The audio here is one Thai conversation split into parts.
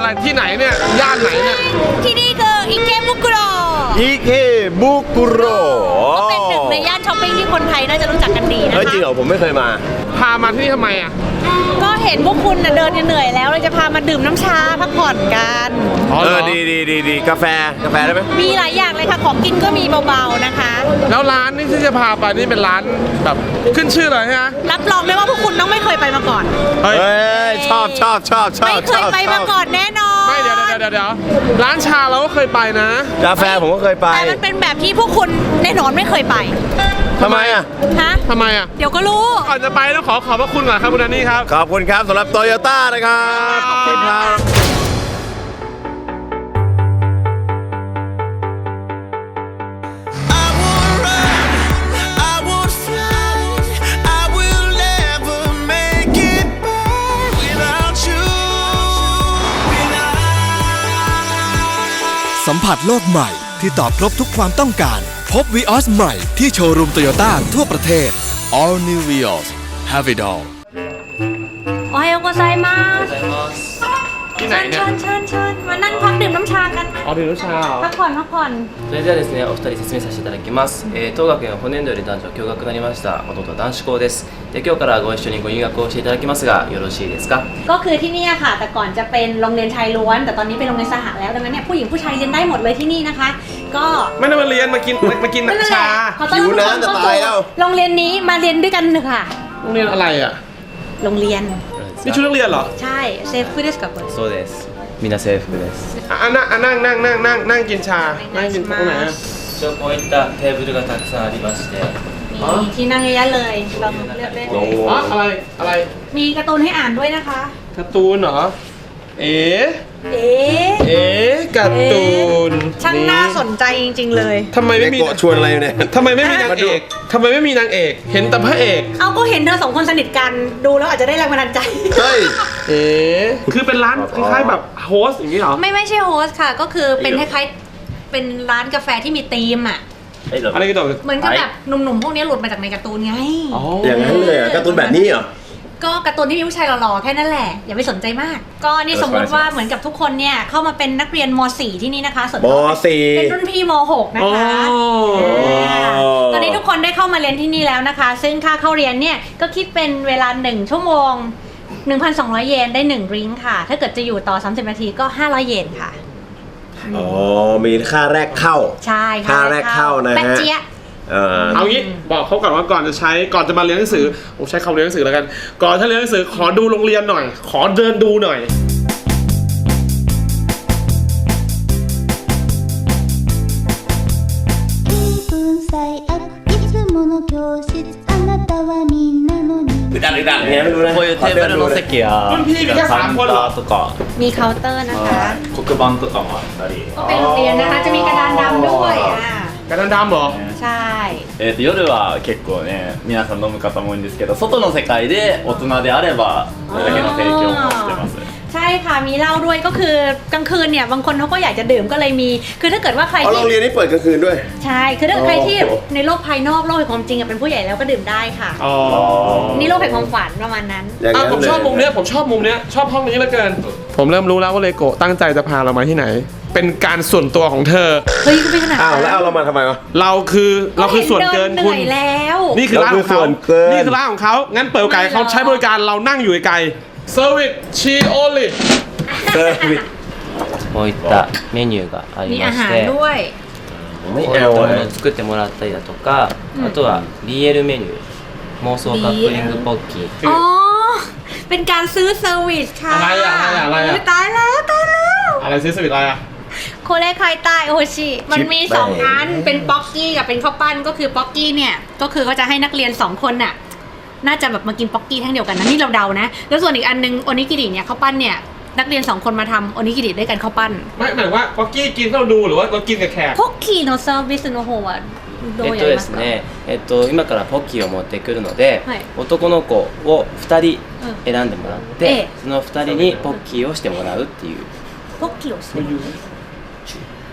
อะไรที่ไหนเนี่ยย่านไหนเนี่ยที่นี่คืออิเกบุกุโรอิเกบุกุโรก็เป็นหนึ่งในย่านช้อปปิ้งที่คนไทยน่าจะรู้จักกันดีนะคะเฮ้ยจริงเหรอผมไม่เคยมาพามาที่นี่ทำไมอ่ะก็เห็นพวกคุณเดินเหนื่อยแล้วเลยจะพามาดื่มน้ำชาพักผ่อนกันดีกาแฟได้ไหมมีหลายอย่างเลยค่ะของกินก็มีเบาๆนะคะแล้วร้านนี่ที่จะพาไปนี่เป็นร้านแบบขึ้นชื่อเลยฮะรับรองได้ว่าพวกคุณต้องไม่เคยไปมาก่อนเฮ้ยชอบไม่เคยไปมาก่อนแน่นอนไม่เดี๋ยวร้านชาเราก็เคยไปนะกาแฟผมก็เคยไปแต่มันเป็นแบบที่พวกคุณแน่นอนไม่เคยไปทำไมอ่ะทำไมอ่ะเดี๋ยวก็รู้ก่อนจะไปต้องขอบพระคุณก่อนครับคุณแดนนี่ครับขอบคุณครับสำหรับโตโยต้านะครับขอบคุณครับสัมผัสโลกใหม่ที่ตอบครบทุกความต้องการพบ Vios ใหม่ที่โชว์รูมโตโยต้าทั่วประเทศ All New Vios Have it all โอไฮโอโกไซมัสที่ไหนเนี่ยเชิญมานั่งพักดื่มน้ำชากันดื่มน้ำชาพักผ่อนそれではですねお二人説明させていただきます、当学園は本年度より男女共学となりました元々男子校ですで今日からご一緒にご入学をしていただきますがよろしいですかก็คือที่นี่ค่ะแต่ก่อนจะเป็นโรงเรียนชายล้วนแต่ตอนนี้เป็นโรงเรียนสหแล้วดังนั้นเนี่ยผู้หญิงผู้ชายเรียนได้หมดเลยที่นี่นะคะก็ไม่ได้มาเรียนมากินน้ำชาหิวน้ำจะตายแล้วโรงเรียนนี้มาเรียนด้วยกันเถอะค่ะโรงเรียนอะไรอ่ะโรงเรียนนี่ชุดนักเรียนเหรอใช่เซฟฟุเดสกับそうですみんな制服ですนั่งกินชานั่งกินตรงไหนอ่ะこういったテーブルがたくさんありましてมีที่นั่งเยอะๆเลยลองเลือกได้เลยอะไรมีการ์ตูนให้อ่านด้วยนะคะการ์ตูนเหรอการ์ตูนช่างน่าสนใจจริงๆเลยทำไมไม่มีชวนอะไรเนี่ยทำไมไม่มีนางเอกเห็นแต่พระเอกเอาก็เห็นเธอสองคนสนิทกันดูแล้วอาจจะได้แรงบันดาลใจเฮ้ยคือเป็นร้านคล้ายๆแบบโฮสอย่างนี้เหรอไม่ใช่โฮสค่ะก็คือเป็นคล้ายๆเป็นร้านกาแฟที่มีธีมอ่ะอะไรกันต่อเหมือนกับแบบหนุ่มๆพวกนี้หลุดมาจากในการ์ตูนไงอย่างนั้นเลยการ์ตูนแบบนี้เหรอก็การ์ตูนที่มีผู้ชายหล่อๆแค่นั้นแหละอย่าไปสนใจมากก็นี่สมมติว่าเหมือนกับทุกคนเนี่ยเข้ามาเป็นนักเรียนม .4 ที่นี่นะคะส่วนม .4 เป็นรุ่นพี่ม .6 นะคะตอนนี้ทุกคนได้เข้ามาเรียนที่นี่แล้วนะคะซึ่งค่าเข้าเรียนเนี่ยก็คิดเป็นเวลา1ชั่วโมง 1,200 เยนได้1ดริงก์ค่ะถ้าเกิดจะอยู่ต่อ30นาทีก็500เยนค่ะมีค่าแรกเข้าใช่ค่าแรกเข้านะฮะเอางี้บอกเขาก่อนว่าก่อนจะมาเรียนหนังสือผมใช้คำเรียนหนังสือแล้วกันก่อนถ้าเรียนหนังสือขอดูโรงเรียนหน่อยขอเดินดูหน่อยดังเนี่ยไม่รู้นะこういうテーブルの席やカウンターとかมีเคาน์เตอร์นะคะ黒板とかもあったりก็เป็นโรงเรียนนะคะจะมีกระดานดำด้วยกระดานดำเหรอใช่夜は結構ね皆さん飲む方も多いんですけど外の世界で大人であればこれだけの提供もしてますใช่ค่ะมีเหล้าด้วยก็คือกลางคืนเนี่ยบางคนเขาก็อยากจะดื่มก็เลยมีคือถ้าเกิดว่าใครที่โรงเรียนนี่เปิดกลางคืนด้วยใช่คือถ้าใครที่ในโลกภายนอกโลกแห่งความจริงเป็นผู้ใหญ่แล้วก็ดื่มได้ค่ะนี่โลกแห่งความฝันประมาณนั้นผมชอบมุมเนี้ยชอบห้องนี้เหลือเกินผมเริ่มรู้แล้วว่าเลโกะตั้งใจจะพาเรามาที่ไหนเป็นการส่วนตัวของเธอเฮ้ยก็ไม่ขนาดแล้วเอาเรามาทำไมวะเราคือส่วนเกินคุณแล้วนี่คือร้านของเขางั้นเปิดไก่เขาใช้บริการเรานั่งอยู่ไกลเซอร์วิสชีโอลิこういったメニューがありましてこういったものを作ってもらったりだとかあとは BL メニュー妄想カップリングポッキーอ๋อเป็นการซื้อเซอร์วิสค่ะอะไรตายแล้วอะไรซื้อเซอร์วิสอะไรอะโคเรคายใต้โอชิมันมี2อันเป็นป๊อกกี้กับเป็นข้าวปั้นก็คือป๊อกกี้เนี่ยก็คือเขาจะให้นักเรียน2คนน่ะน่าจะแบบมากินป๊อกกี้ทั้งเดียวกันนะนี่เราเดานะแล้วส่วนอีกอันนึงโอนิกิริเนี่ยข้าวปั้นเนี่ยนักเรียน2คนมาทำโอนิกิริด้วยกันข้าวปั้นไม่หมายว่าป๊อกกี้กินเราดูหรือว่าเรากินกับแขกป๊อกกี้โนเซอร์วิสโนโฮะですね今からポッキーを持ってくるので男の子を2人選んでもらってその2人にポッキーをしてもらうっていうポッキーをしてもらう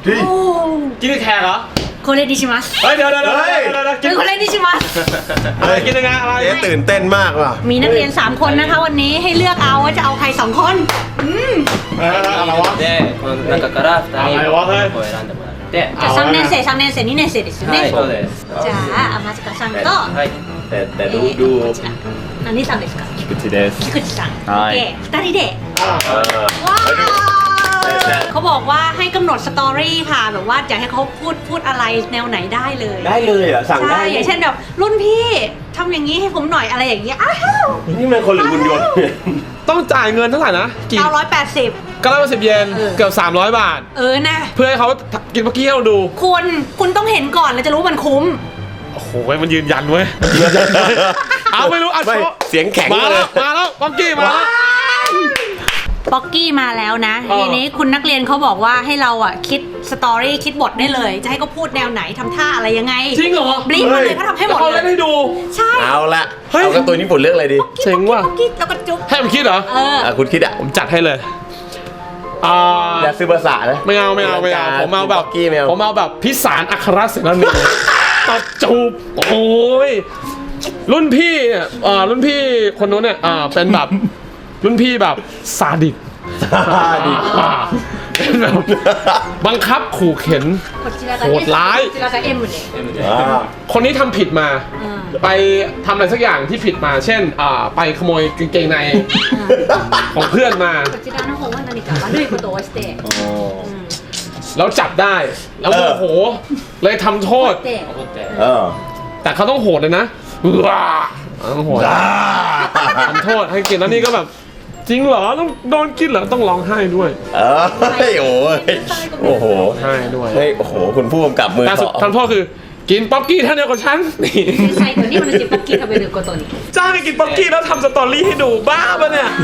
โอ้กินกับแขกเหรอโคเรดิชิมัสเฮ้ยเดี๋ยวกินโคเรดิชิมัสอะไรกินยังไงอะไรเจ๊ตื่นเต้นมากว่ะมีนักเรียน 3 คนนะคะวันนี้ให้เลือกเอาว่าจะเอาใคร 2 คนอะไรวะでこの中から2人あはいを選んでもらってじゃあ3年生3年生2年生ですよね、 はいそうですじゃあ天塚さんと、 はいแต่ดูดูこちら何さんですか菊池です菊池さんはいโอเค2人でเออว้าวเขาบอกว่าให้กำหนดสตอรี่ค่ะแบบว่าอยากให้เขาพูดอะไรแนวไหนได้เลยได้เลยเหรอสั่งได้ใช่อย่างเช่นแบบรุ่นพี่ทำอย่างนี้ให้ผมหน่อยอะไรอย่างเงี้ยอ้าวนี่มันคนหรือหุ่นยนต์ต้องจ่ายเงินเท่าไหร่นะกี่ 980 910 เยนเออเกือบ300 บาทนะเพื่อให้เขากินเมื่อกี้ให้เราดูคุณต้องเห็นก่อนแล้วจะรู้ว่ามันคุ้มโอ้โหมันยืนยันเว้ยเอาไม่รู้อ่ะไม่โชว์เสียงแข็งมาเลแล้ยวมาแล้วป๊อกกี้มาแล้วป๊อกกี้มาแล้วนะเออทีนี้คุณนักเรียนเขาบอกว่าให้เราอ่ะคิดสตอรี่คิดบทได้เลย จะให้เขาพูดแนวไหนทำท่าอะไรยังไงจริงเหรอบลิฟมาเลยเขาทำให้หมดเขาเลเล่นให้ยดูใช่เอาละเฮ้ยเอาการ์ตูนญี่ปุ่นเรื่องอะไรดีเจ๋งว่ะป๊อกกี้แล้วก็จุ๊บให้มันคิดเหรอคุณคิดอ่ะผมจัดให้เลยอย่าซื้อภาษานะไม่เอาผมเอาแบบป๊อกกี้ไม่เอาผมเอาแบบพิสารอัครเสนานีตัดจูบโอ้ยรุ่นพี่เนี่ยรุ่นพี่คนนู้นเนี่ยเป็นแบบรุ่นพี่แบบซาดิสดีเป็นแบบบังคับขู่เข็นこちらがโหดร้ายこちらが M でคนนี้ทำผิดมา ไปทำอะไรสักอย่างที่ผิดมา เช่นไปขโมยกางเกงในของเพื่อนมาこちらの方は何か悪いことをしてแล้วจับได้ แล้วโมโหเลยทำโทษでเออแต่เขาต้องโหดเลยนะว้าต้องโหดทำโทษให้กินแล้วนี่ก็แบบ จริงเหรอต้องโดนกินเหรอต้องร้องไห้ด้วยเออโอ้ยโอ้โหไห้ด้วยเฮ้ยโอ้โหคุณผู้กำกับมือแต่สุดเถาะทำโทษคือกินป๊อกกี้เท่าเดียวกับฉันนี่最後に同じポッキー食べることにจ้างให้กินป๊อกกี้แล้วทำสตอรี่ให้ดูบ้าปะเนี่ย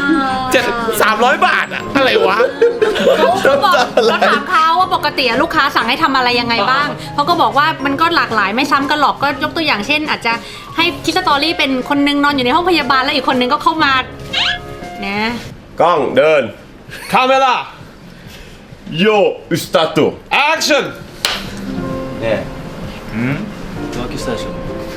300 บาทอะอะไรวะเขาบอกเราถามเขาว่าปกติลูกค้าสั่งให้ทำอะไรยังไงบ้างเขาก็บอกว่ามันก็หลากหลายไม่ซ้ำกันหรอกก็ยกตัวอย่างเช่น อาจจะให้คิดสตอรี่เป็นคนนึงนอนอยู่ในห้องพยาบาลแล้วอีกคนนึงก็เข้ามานะกล้องเดินคาเมล่าโยสตาร์ทแอคชั่นねえ浮気したでしょ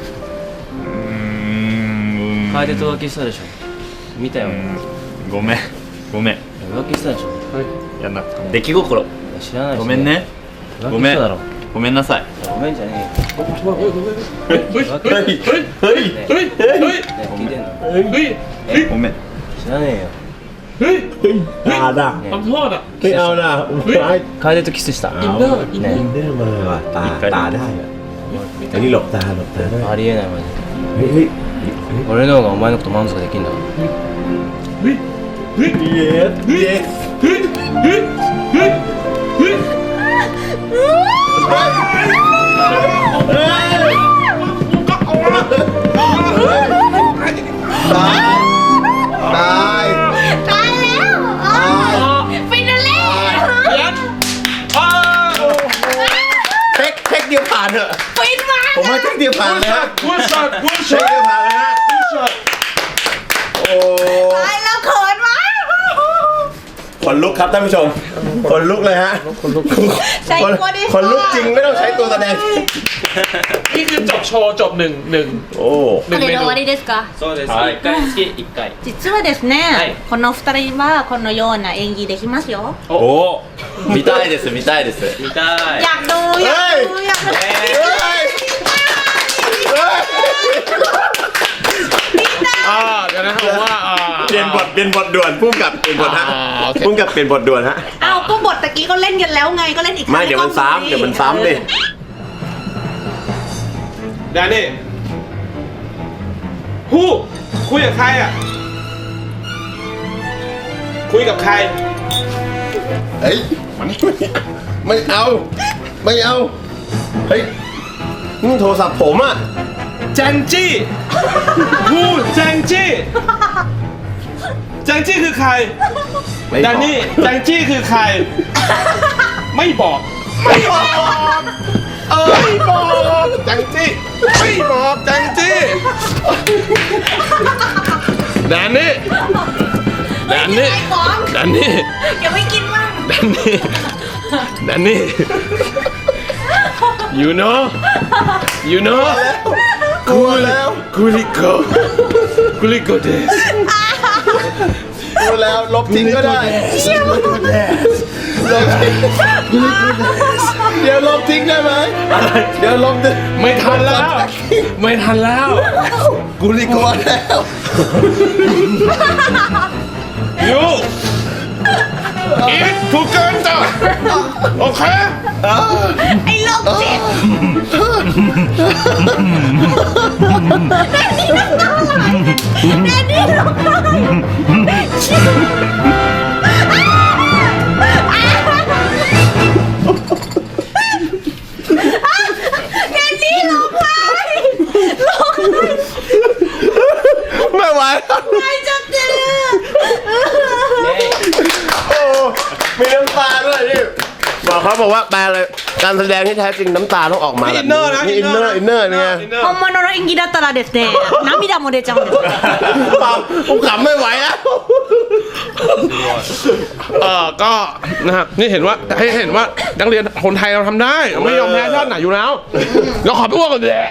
楓と浮気したでしょ見たよごめんごめん浮気したでしょやんな出来心知らないしごめんね浮ごめん気しただろごめんなさいごめんじゃねเฮ้ยเฮ้ยเฮ้ยเฮ้ยเฮ้ยเฮ้ยเฮ้ยえよねえ聞いてんのเฮ้ยเฮ้ยごめん知らねえよเฮ้ยด่าด่าทำโทษอ่ะไม่เอานะ楓とキスしたอินเนอร์อินเนอร์อินเนอร์มาว่ะตาได้อะอันนี้หลบตาด้วยありえないマジでเฮ้ยเฮ้ย俺の方がお前のこと満足できんだろเฮ้ยเฮ้ยเย็ดเย็ดเฮ้ยเฮ้ยเฮ้ยเฮ้ยก็เอาละตายตายตายแล้วฟินาเล่เขียนเทคเดียวผ่านเถอะฟินมากผมว่าเทคเดียวผ่านเลยฮะกูช็อตกูเทช็อคตเดียวผ่านเลยฮะกูช็อตโอ้ตายแล้วเขินมากขนลุกครับท่านผู้ชมขนลุกเลยฮะใส่ตัวดิขนลุกจริงไม่ต้องใช้ตัวแสดงนี่คือจบโชว์จบหนึ่งโอ้หนึ่งこれเมでนู終わりですかそうですはい 1回につき1回実はですね、 はいこの2人はこのような演技できますよお見たいです見たいです見たいอยากดูอยากดูอยากดูเดี๋ยวนะครับว่าเปลี่ยนบทด่วนพุ่งกับเปลี่ยนบทฮะโอเคพุ่งกับเปลี่ยนบทด่วนฮะอ้าวก็บทตะกี้ก็เล่นกันแล้วไงก็เล่นอีกครั้งไม่เดี๋ยวมันซ้ำเดี๋ยวมันซ้ำดิแดนนี่ฮู้คุยกับใครอ่ะ คุยกับใครเฮ้ยไม่เอาไม่เอาเฮ้ยนี่โทรศัพท์ผมอ่ะแจงจี้ฮู้แจงจี้แจงจี้คือใครไม่แดบอกนนี่แจงจี้คือใคร ไม่บอกไม่บอกไม่บอกแจงจี้ไม่บอกแจงจี้แดนนี่แดนนี่ไอ้ของแดนนี่อย่าไม่กินมั่งแดนนี่นั่นนี่ you know กลัวแล้วกุลิโกเดสกลัวแล้วลบทิ้งก็ได้ลบทิ้งเดี๋ยวลบทิ้งได้ไหมเดี๋ยวลบทิ้งไม่ทันแล้วกูรีกลัวแล้วยูอีทถูกเกินจ้ะโอเคไอ้โรคจิตแดนนี่ร้องไห้แดนนี่ร้องไห้ไม่ไหวแล้วไห้จังเลยโอ้มีน้ำตาด้วยนี่บอกว่าแปลเลยการแสดงที่แท้จริงน้ำตาต้องออกมานี่อินเนอร์นะนี่อินเนอร์เนี่ย本物の演技だったらですね涙も出ちゃうんですเปล่าผมขำไม่ไหวแล้วก็นะครับนี่เห็นว่าให้เห็นว่านักเรียนคนไทยเราทำได้ไม่ยอมแพ้ชาติไหนอยู่แล้วเราขอไปอ้วกกันเลย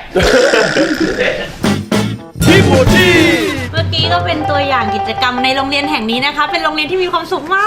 ที่บูจี้เมื่อกี้ก็เป็นตัวอย่างกิจกรรมในโรงเรียนแห่งนี้นะคะ เป็นโรงเรียนที่มีความสุขมาก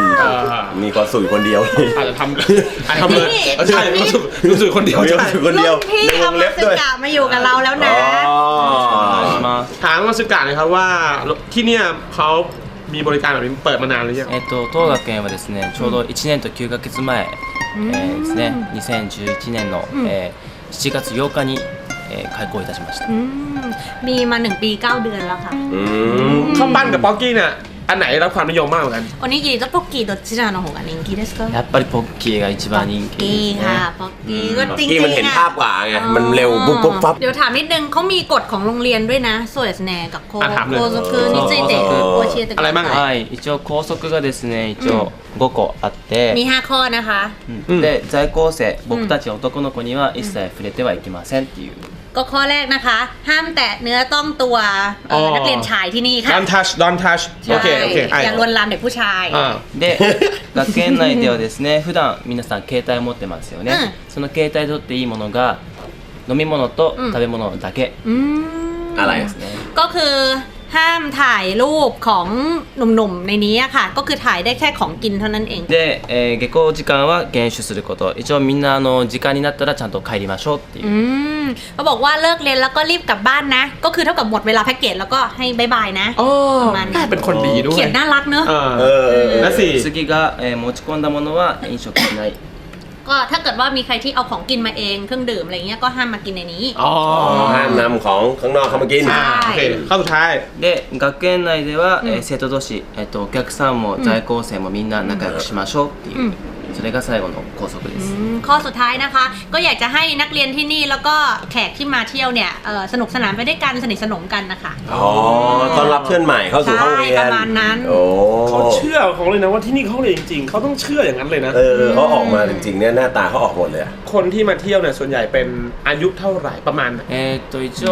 มีความสุขคนเดียวอาจจะทำเลยใช่รู้สึกคนเดียวมีความสุขคนเดียวรุ่นพี่ในวงทำเล็มาบสึด้วยกะมาอยู่กับเราแล้วนะまあถามมาสึกะหน่อยครับว่าที่เนี่ยเขามีบริการแบบนี้เปิดมานานหรือยัง当学園はですねちょうど1年と9ヶ月前、ですね2011年の、7月8日に、開校いたしましたอืมมีมา1 ปี 9 เดือนแล้วค่ะข้าวปั้นกับป๊อกกี้เนี่ยอันไหนรับความนิยมมากกว่ากันおにぎりとポッキーどちらの方が人気ですかやっぱりポッキーが一番人気กี้ですค่ะねป๊อกกี้ก็จริงกี้มันเห็นๆภาพกว่าไงมันเร็วปุ๊บปุ๊บปั๊บเดี๋ยวถามนิดนึงเขามีกฎของโรงเรียนด้วยนะそうですね学校ถามเลย校則について教えてくอะไรだบ้างさอ่ะはい一応校則がですね一応5個あって、 いมี5ข้อนะคะで在校生僕たち男の子には一切触れてはいけませんっていうก็ข้อแรกนะคะ ห้ามแตะเนื้อต้องตัวนักเรียนชายที่นี่ค่ะ don't touch โอเคโอเคอย่าลวนลามเด็กผู้ชายで学園内ではですね普段皆さん携帯を持ってますよね、その携帯で取っていいものが飲み物と食べ物だけอืมอะไรですね、 ก็คือห้ามถ่ายรูปของหนุ่มๆในนี้อะค่ะ ก็คือถ่ายได้แค่ของกินเท่านั้นเองで、下校時間は厳守すること一応みんな時間になったらちゃんと帰りましょうっていうอืมเขาบอกว่าเลิกเรียนแล้วก็รีบกลับบ้านนะ ก็คือเท่ากับหมดเวลาแพ็กเกจแล้วก็ให้บายบายนะ ประมาณนั้นเป็นคนดีด้วยเขียนน่ารักเนอะและสี่次が、持ち込んだものは飲食しないก็ถ้าเกิดว่ามีใครที่เอาของกินมาเองเครื่องดื่มอะไรเงี้ยก็ห้ามมากินในนี้อ๋อห้ามนำของข้างนอกเข้ามากินโอเคข้อสุดท้ายで学園内では、生徒同士、お客さんも在校生もみんな仲良くしましょうっていう、それが最後の校則ですข้อสุดท้ายนะคะ ก็อยากจะให้นักเรียนที่นี่แล้วก็แขกที่มาเที่ยวเนี่ยสนุกสนานไปด้วยกันสนิทสนมกันนะคะอ๋อต้อนรับเพื่อนใหม่เข้าสู่ห้องเรียนใช่ประมาณนั้นโอ้เขาเชื่อของเลยนะว่าที่นี่เขาเรียนจริงๆเขาต้องเชื่ออย่างนั้นเลยนะเขาออกมาจริงๆเนี่ยหน้าตาเขาออกหมดเลยอะคนที่มาเที่ยวเนี่ยส่วนใหญ่เป็นอายุเท่าไหร่ประมาณ一応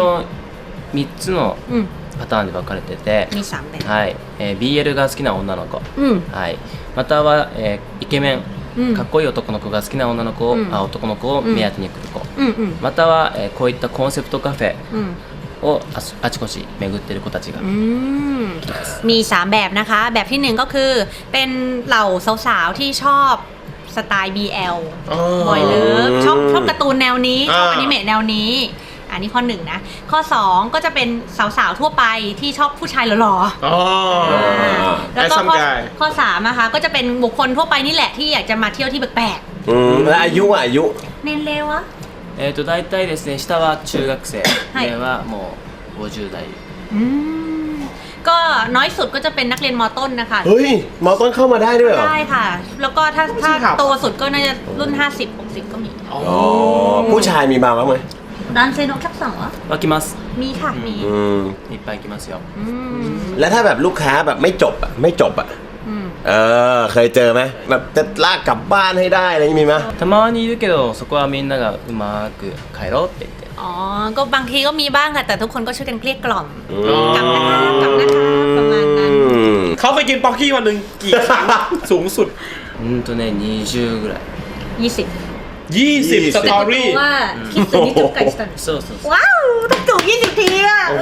3つのうんパターンで分かれてて、 มี3แบบはい、BL が好きな女の子、 うんはい、または、イケメン、 うんかっこいい男の子が好きな女の子を、 うん男の子を目当てに来る子、 うんうんまたは、こういったコンセプトカフェうんをあちこち巡ってる子たちが、 อืมมี3แบบนะคะ แบบที่1ก็คือเป็นเหล่าสาวๆที่ชอบสไตล์ BL บ่อยเลิฟชอบการ์ตูนแนวนี้ชอบอนิเมะแนวนี้อันนี้ข้อ1นะข้อ2ก็จะเป็นสาวๆทั่วไปที่ชอบผู้ชายหล่อๆอ๋อแล้วก็ Handsome guy ข้อ3นะคะก็จะเป็นบุคคลทั่วไปนี่แหละที่อยากจะมาเที่ยวที่แปลกแล้วอายุอะอายุๆเน้นเร็วอะ大体ですね下は中学生、 はい上はもう50代อืมก็น้อยสุดก็จะเป็นนักเรียนมต้นนะคะเฮ้ยมอต้นเข้ามาได้ด้วยเหรอได้ค่ะ แล้วก็ถ้าครับโตสุดก็น่าจะรุ่น 50-60 ก็มีอ๋อผู้ชายมีมาบ้างไหมร้านเซโนแคปสังเหรอは来ますมีค่ะมีいっぱい来ますよอืมแล้วถ้าแบบลูกค้าแบบไม่จบอะไม่จบอะอืมเคยเจอไหมแบบจะลากกลับบ้านให้ได้อะไรอย่างนี้มีไหมたまにいるけどそこはみんながうまく帰ろうって言ってอ๋อก็บางทีก็มีบ้างค่ะแต่ทุกคนก็ช่วยกันเกลี้ยกล่อมกลับนะคะกลับนะคะประมาณนั้นเขาเคยกินป๊อกกี้วันหนึ่งกี่ครั้ง สูงสุด 20ぐらい 20 20 สตอรี่ว่าคิดถึงที่จุ๊บไก่สตันそうそうそうว้าวต้องจูบ20 ทีอ่ะโอ้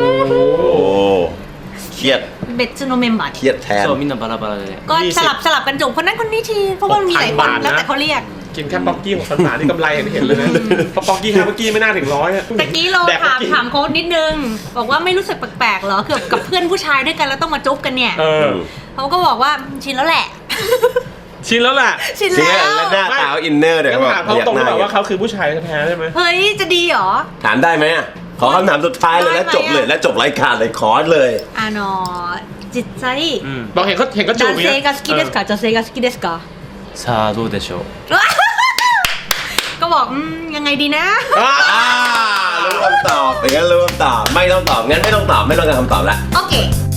เครียดเบ็ดซูโนเมมบัตเครียดแทนそうみんなバラバラでก็สลับกันจูบคนนั้นคนนี้ที เพราะว่ามันมีหลายคน 6,000 แล้วแต่เขาเรียกกินแค่ป๊อกกี้6,000 บาทนี่กำไรเห็นเลยนะเพราะป๊อกกี้5ป๊อกกี้ไม่น่าถึง100อะตะกี้เราแดกป๊อกกี้ถามโค้ดนิดนึง บอกว่าไม่รู้สึกแปลกๆเหรอเกือบกับเพื่อนผู้ชายด้วยกันแล้วต้องมาจุ๊บกันเนี่ยเออเขาก็บอกว่าชินแล้วแหละชินแล้วแหละชินเชี่ยแล้วแล้วหน้าตาอินเนอร์เดี๋ยวต้องถามเขาตรงหๆน้แบบว่าเขาคือผู้ชายแท้ๆใช่ไหมเฮ้ยจะดีเหรอถามได้ไหมอะขอคำถามสุดท้ายเลยแล้วจบเลยแล้วจบรายการเลยขอเลยจิตใจบอกเห็นเขาจูดับนอย่างเซเงี้ยกาสกิเดสกาจะเซกาสกิเดสกาさあどうでしょうก็บอกยังไงดีนะอ่ารู้คำตอบอย่างนั้นรู้คำตอบไม่ต้องตอบงั้นไม่ต้องตอบไม่ต้องการคำตอบละโอเค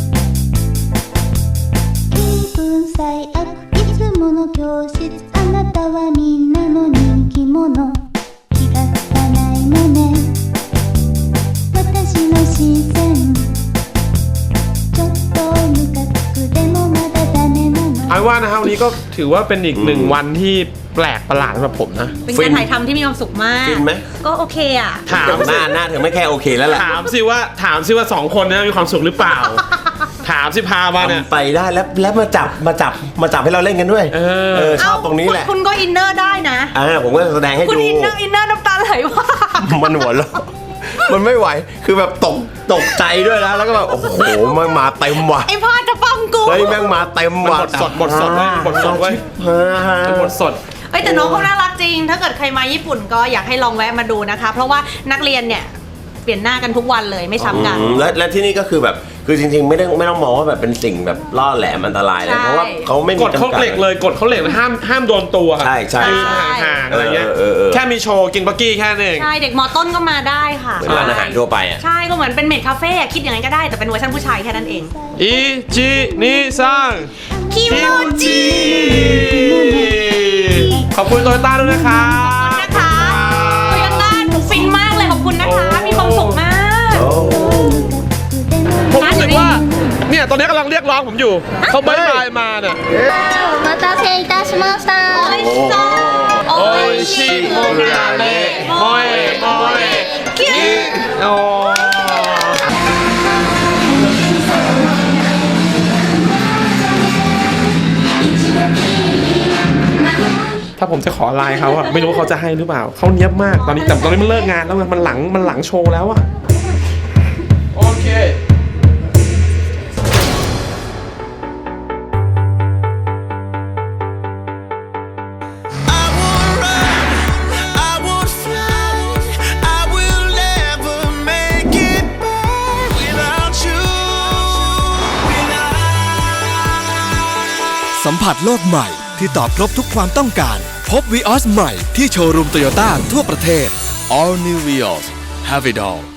気分最悪いつもの教室あなたはみんなの人気者気がつかないのね私の視線ちょっとムカつくでもまだダメなのเอาว่านะครับวันนี้ก็ถือว่าเป็นอีก1 วันที่แปลกประหลาดสำหรับผมนะเป็นการถ่ายทำที่มีความสุขมากฟินไหมก็โอเคอ่ะถามหน้าเธอไม่แค่โอเคแล้วแหละถามสิว่า2 คนเนี้มีความสุขหรือเปล่า ถามสิพามาเนี่ยทำไปได้แล้วมาจับให้เราเล่นกันด้วยเออชอบตรงนี้แหละคุณก็อินเนอร์ได้นะผมก็แสดงให้คุณดูอินเนอร์น้ำตาไหลว่ากมันหัวเราะมันไม่ไหวคือแบบตกใจด้วยนะแล้วก็แบบโอ้โหมันมาเต็มว่ะไอ้พ่อจะป้องกูเฮ้ยแม่งมาเต็มว่ะบทสดเว้ยบทสดเว้ย เป็นบทสดเอ้ยแต่น้องเขาน่ารักจริง ถ้าเกิดใครมาญี่ปุ่นก็อยากให้ลองแวะมาดูนะคะ เพราะว่านักเรียนเนี่ยเปลี่ยนหน้ากันทุกวันเลยไม่ซ้ำกันและที่นี่ก็คือแบบคือจริงๆไม่ต้องมองว่าแบบเป็นสิ่งแบบล่อแหลมอันตรายเลยใช่เพราะว่าเขาไม่มีกดเขาเหล็กเลยกดเขาเหล็กห้ามโดนตัวใช่ยืนห่างๆอะไรเงี้ยเออแค่มีโชว์กินบักกี้แค่นั้นเองใช่เด็กมอต้นก็มาได้ค่ะเหมือนร้านอาหารทั่วไปอ่ะใช่ก็เหมือนเป็นเมดคาเฟ่อะคิดอย่างนั้นก็ได้แต่เป็นเวอร์ชันผู้ชายแค่นั้นเองอีจินิซังคิโมจิขอบคุณโตโยต้าด้วยนะครับนะคะโตโยต้าหนูฟินมากเลยขอบคุณนะคะ มีความสุขมากผมรู้สึกว่าเนี่ยตอนนี้กำลังเรียกร้องผมอยู่เขาบายบายมาเนี่ยお待たせいたしましたโอ้ยชิโมราเนะโมเอโมเอคิโอถ้าผมจะขอไลน์เขาอะไม่รู้ว่าเขาจะให้หรือเปล่าเขาเนี้ยบมากตอนนี้แต่ตอนนี้มันเลิกงานแล้วไงมันหลังโชว์แล้วอะโอเค I would run, I would fly, I will never make it back without you. สัมผัสโลกใหม่ที่ตอบครบทุกความต้องการพบ Vios ใหม่ที่โชว์รูมโตโยต้าทั่วประเทศ All New Vios Have it all